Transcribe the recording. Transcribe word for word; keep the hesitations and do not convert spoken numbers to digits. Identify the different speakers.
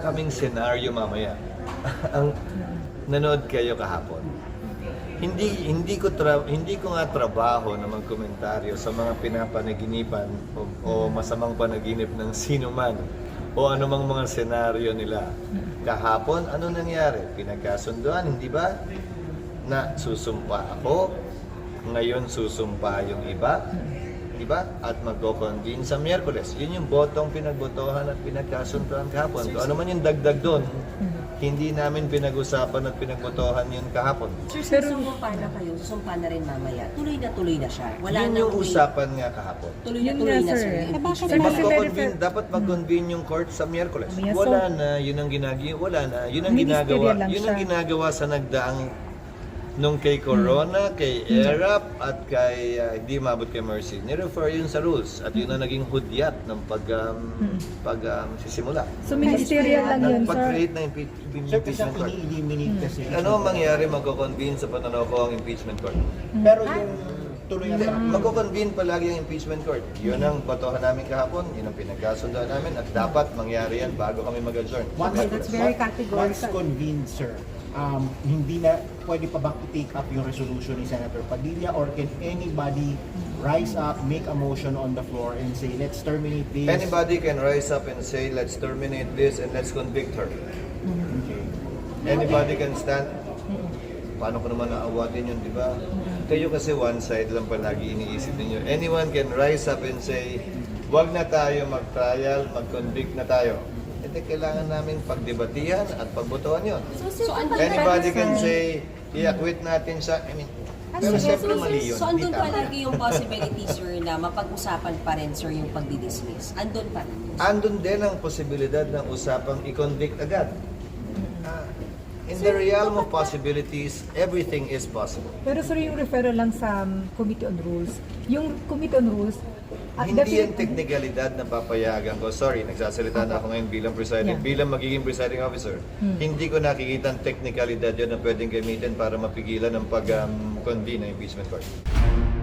Speaker 1: kaming senaryo mamaya. Ang nanood kayo kahapon. Hindi hindi ko tra, hindi ko nga trabaho na magkomentaryo sa mga pinapanaginipan o, o masamang panaginip ng sino man o anumang mga senaryo nila. Kahapon, ano nangyari? Pinagkasunduan, hindi ba? Na susumpa ako, ngayon susumpa yung iba, di ba? At magko-convene sa Miyerkules. Yun yung botong pinagbotohan at pinagkasunduan kahapon. Kung ano man yung dagdag doon, hindi namin pinag-usapan at pinagbotohan yun kahapon.
Speaker 2: Sir, susumpa na kayo, susumpa na rin mamaya. Tuloy na tuloy na siya. Wala
Speaker 1: Yun
Speaker 2: na
Speaker 1: yung usapan nga kahapon.
Speaker 2: Tuloy na
Speaker 3: Yun
Speaker 2: tuloy
Speaker 3: nga,
Speaker 2: na,
Speaker 3: sir.
Speaker 2: sir.
Speaker 3: Eh,
Speaker 2: yung
Speaker 3: bakit
Speaker 2: impeachment.
Speaker 3: naman-
Speaker 1: Magko-convene, dapat mag-convene yung court sa Miyerkules.
Speaker 3: Mamaya, so-
Speaker 1: Wala na, yun ang ginagawa, wala na, yun ang
Speaker 3: Ministerial
Speaker 1: ginagawa,
Speaker 3: lang
Speaker 1: yun ang
Speaker 3: siya.
Speaker 1: ginagawa sa nagdaang nung kay Corona, kay Erap, at kay, uh, hindi mabot kay Mercy. Nirefer yun sa rules, at yun ang naging hudyat ng pag, um, pag um, sisimula.
Speaker 3: So ministerial lang yun, sir.
Speaker 1: Pag-create ng impe-
Speaker 4: Sir, kasi
Speaker 1: impeachment court.
Speaker 4: ini-eliminate kasi.
Speaker 1: Ano ang mangyari magko-convene sa pananaw ko ang impeachment court?
Speaker 4: Pero yung tuloy na
Speaker 1: Hindi,
Speaker 4: sa
Speaker 1: magko-convene palagi ang impeachment court. Yun ang botohan namin kahapon, yun ang pinagkasundoan namin, at dapat mangyari yan bago kami mag-adjourn.
Speaker 4: Once,
Speaker 3: That's very
Speaker 4: once-
Speaker 3: categorical.
Speaker 4: Once convened, sir, um, hindi na, pwede pa bang i-take up yung resolution ni Senator Padilla, or can anybody rise up, make a motion on the floor and say, let's terminate this?
Speaker 1: Anybody can rise up and say, let's terminate this and let's convict her.
Speaker 4: Okay.
Speaker 1: Anybody can stand. Paano ko naman naawatin yun, di ba? Kayo kasi one side lang palagi iniisip ninyo. Anyone can rise up and say, wag na tayo mag-trial, mag-convict na tayo. Hindi, kailangan namin pagdebatihan at pagbotohan yun.
Speaker 2: So, andun
Speaker 1: Anybody can say, i-acquit natin sa... I mean, pero siyempre mali yun.
Speaker 2: So,
Speaker 1: Hindi
Speaker 2: andun
Speaker 1: tama.
Speaker 2: palagi yung possibility, sir, na mapag-usapan pa rin, sir, yung pagdi-dismiss. Andun pa rin.
Speaker 1: Andun din ang posibilidad ng usapang i-convict agad. Ah, in the realm of possibilities, everything is possible.
Speaker 3: Pero sir, yung referral lang sa um, Committee on Rules, yung Committee on Rules, at
Speaker 1: Hindi yan
Speaker 3: definite-
Speaker 1: teknikalidad na papayagan ko. Sorry, nagsasalita na ako ngayon bilang presiding,
Speaker 3: Yeah.
Speaker 1: bilang magiging presiding officer. Hindi ko nakikita ang teknikalidad yun na pwedeng gamitin para mapigilan ang pag-convene ng impeachment court.